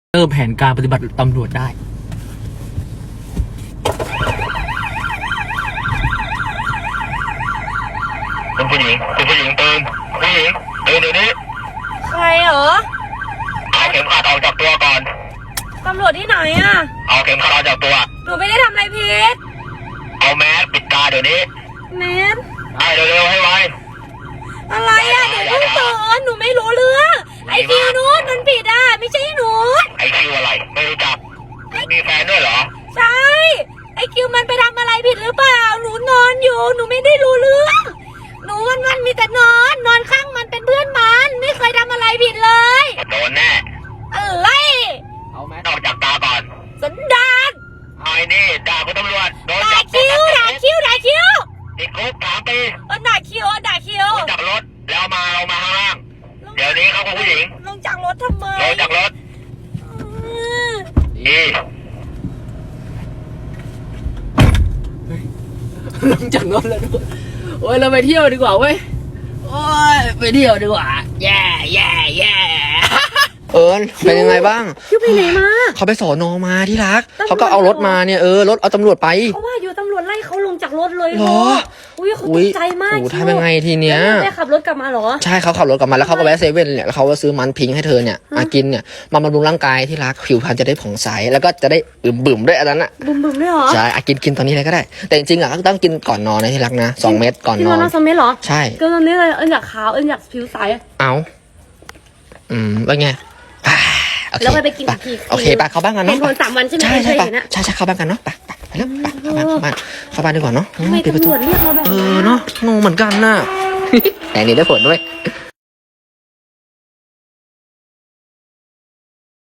เริ่มแผนการปฏิบัติตำรวจได้คุณผู้หญิงตื่นผู้หญิงตื่นเดี๋ยวนี้ใครเหรอเอาเข็มขัดออกจากตัวก่อนตำรวจที่ไหนอ่ะเอาเข็มขัดออกจากตัวหนูไม่ได้ทำอะไรผิดเอาแมสปิดตาเดี๋ยวนี้แมสให้เร็วๆให้ไวอะไรอ่ะเดี๋ยวเพิ่งสอนหนูไม่รู้เรื่องไอคิวนู้นมันผิดอ่ะไม่ใช่หนูไอคิวอะไรไม่รู้จักมีแฟนด้วยเหรอใช่ไอคิวมันไปทำอะไรผิดหรือเปล่าหนูนอนอยู่หนูไม่ได้รู้เรื่องหนูมันมีแต่นอนข้างมันเป็นเพื่อนมันไม่เคยทำอะไรผิดเลยโดนแน่อะไรเอาแมสออกจากตาก่อนสันดานไอ้นี่ด่าคุณตำรวจโดนจับด่าคิวติดคุก3 ปีด่าคิวลงจากรถแล้วมาข้างล่างเดี๋ยวนี้เขาคุณผู้หญิงลงจากรถทำไมลงจากรถนี่ลงจากรถแล้วด้วยโอ้ยเราไปเที่ยวดีกว่าเว้ยโอ้ยไปเที่ยวดีกว่าแย่เป็นยังไงบ้างคิวไปไหนมาเขาไปสอนอมาที่รักเขาก็เอารถมาเนี่ยรถเอาตำรวจไปเพราะว่าอยู่ตำรวจไล่เขาลงจากรถเลยเหรออุ้ยเขาตกใจมากทำยังไงทีเนี้ยได้ขับรถกลับมาเหรอใช่เขาขับรถกลับมาแล้วเขาก็แวะเซเว่นเนี่ยแล้วเขาก็ซื้อมันพิงให้เธอเนี่ยมากินเนี่ยมาบำรุงร่างกายที่รักผิวพรรณจะได้ผ่องใสแล้วก็จะได้บึมด้วยอันนั้นอ่ะบึมด้วยเหรอใช่กินตอนนี้เลยก็ได้แต่จริงๆอ่ะต้องกินก่อนนอนนะที่รักนะ2 เม็ดก่อนนอน 2 เม็ดเหรอใช่ก็ตอนนี้เลยอยากขาวอยากผิวใสเอาว่าไงแล้วไปกินอีกโอเคไปเข้าบ้านกันเนาะเป็นคน3 วันใช่ไหมใช่เข้าบ้านกันเนาะไปแล้วเข้าบ้านดีกว่าเนาะปิดประตูเนาะงงเหมือนกันน่ะแต่นี่ได้ผลด้วย